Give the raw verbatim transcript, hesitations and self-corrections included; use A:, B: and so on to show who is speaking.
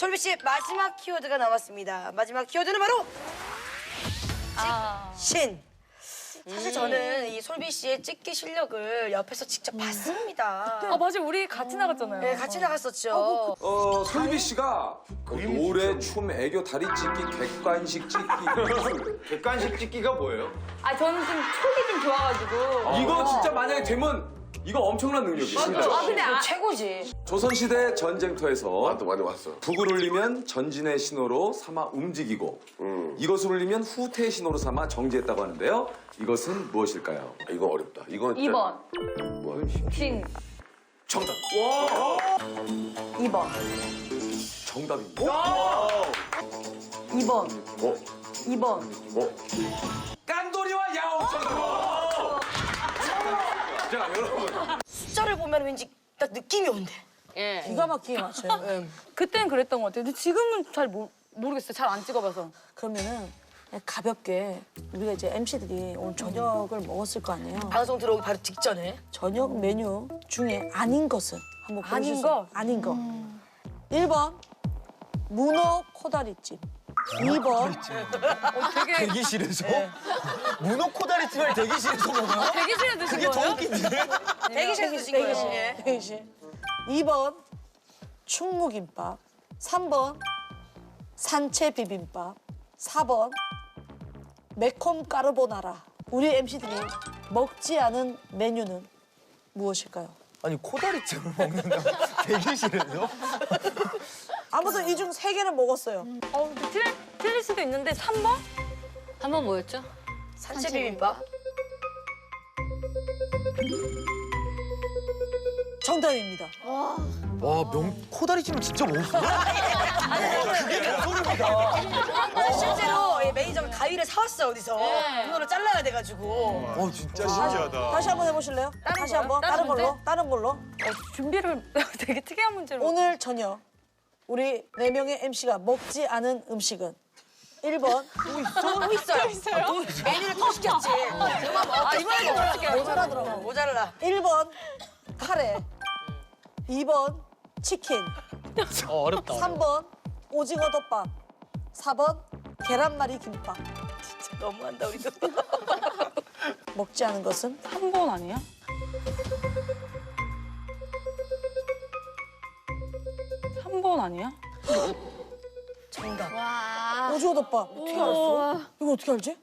A: 솔비 씨의 마지막 키워드가 나왔습니다. 마지막 키워드는 바로
B: 아.
A: 신. 사실 저는 이 솔비 씨의 찍기 실력을 옆에서 직접 봤습니다.
B: 아 맞아, 우리 같이 나갔잖아요.
A: 네, 같이 나갔었죠.
C: 어, 솔비 씨가 그 노래, 춤, 애교, 다리 찢기, 객관식 찍기.
D: 객관식 찍기가 뭐예요?
B: 아 저는 좀 촉이 좀 좋아가지고.
C: 이거 진짜 만약에 되면 이거 엄청난 능력이에요. 진짜.
B: 아 근데 아,
A: 최고지.
C: 조선시대 전쟁터에서
E: 맞다, 많이 왔어.
C: 북을 울리면 전진의 신호로 삼아 움직이고
E: 음.
C: 이것을 울리면 후퇴의 신호로 삼아 정지했다고 하는데요. 이것은 무엇일까요?
E: 아, 이건 어렵다. 이건
B: 이 번
E: 뭐,
B: 진.
C: 정답.
B: 이 번
C: 정답입니다.
B: 이 번
E: 어?
B: 이 번
E: 어?
C: 깐돌이와 야옹 정답. 자, 여러분.
A: 숫자를 보면 왠지 딱 느낌이 온대.
F: 기가 막히게 맞춰요.
B: 그때는 그랬던 것 같아요. 근데 지금은 잘 모, 모르겠어요. 잘 안 찍어봐서.
F: 그러면은 그냥 가볍게 우리가 이제 엠씨들이 오늘 저녁을 먹었을 거 아니에요.
A: 방송 들어오기 바로 직전에.
F: 저녁 메뉴 중에 아닌 것은 한번
B: 아닌
F: 보여주세요.
B: 거?
F: 아닌 거. 일 번 문어 코다리찜. 이 번
B: 되게
D: 대기실에서? 문어 코다리찜을 대기실에서 먹어요?
B: 대기실에 드신 거예요?
A: 대기실에서 드신 거예요.
F: 대기실.
A: 예.
F: 대기실. 이 번 충무김밥. 삼 번 산채 비빔밥. 사 번 매콤 까르보나라. 우리 엠씨들이 먹지 않은 메뉴는 무엇일까요?
D: 아니 코다리찜을 먹는다. 대기실에서?
F: 아무튼 이 중 세 개는 먹었어요.
B: 어, 근데 틀, 틀릴 수도 있는데 삼 번?
G: 한 번 뭐였죠?
A: 산채 비빔밥.
F: 정답입니다.
D: 와, 명 코다리찜을 진짜 먹었어요?
A: 사실 실제로 예, 매니저가 가위를 사왔어요, 어디서. 그거를 잘라야 돼가지고.
D: 어, 진짜 신기하다.
F: 다시 한번 해보실래요? 다시
B: 거요?
F: 한번
B: 다른
F: 다른 걸로
B: 문제?
F: 다른 걸로.
B: 어, 준비를 되게 특이한 문제로.
F: 오늘 저녁 우리 네 명의 엠씨가 먹지 않은 음식은 일 번
A: 또 있어요. 또 있어요? 메뉴를 또 시켰지.
B: 아, 이번에 어떻게 해요?
F: 모자라더라고.
A: 모자라.
F: 일 번 카레, 이 번 치킨,
D: 어, 어렵다.
F: 삼 번 오징어 덮밥, 사 번 계란말이 김밥.
A: 진짜 너무한다, 우리도.
F: 먹지 않은 것은
B: 삼 번 아니야? 삼 번 아니야?
A: 정답.
G: 와.
F: 오징어 덮밥.
A: 어떻게 알았어?
F: 이거 어떻게 알지?